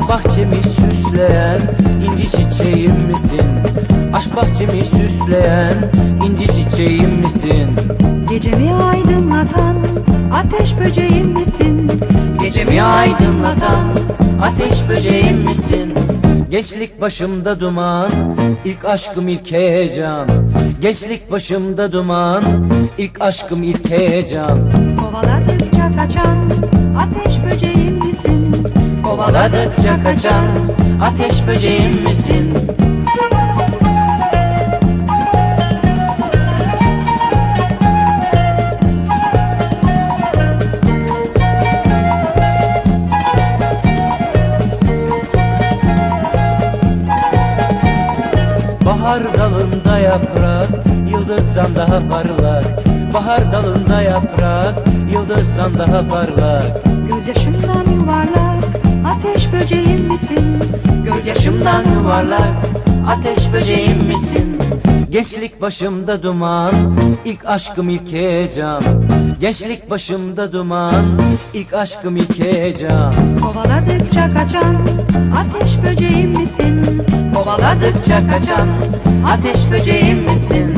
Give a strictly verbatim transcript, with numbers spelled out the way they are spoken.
bahçemi süsleyen inci çiçeğim misin? Aşk bahçemi süsleyen inci çiçeğim misin? Gecemi aydınlatan ateş böceğim misin? Gecemi aydınlatan ateş böceğim misin? Gençlik başımda duman, ilk aşkım ilk heyecan. Gençlik başımda duman, ilk aşkım ilk heyecan. Kovaladıkça kaçan ateş böceğim misin? Kovaladıkça kaçan ateş böceğim misin? Bahar dalında yaprak, yıldızdan daha parlak. Bahar dalında yaprak, yıldızdan daha parlak. Gözyaşımdan yuvarlak ateş böceğim misin? Gözyaşımdan yuvarlak, ateş böceğim misin? Gençlik başımda duman, ilk aşkım ilk heyecan. Gençlik başımda duman, ilk aşkım ilk heyecan. Kovaladıkça kaçan ateş böceğim misin? Kovaladıkça kaçan ateş böceğim misin?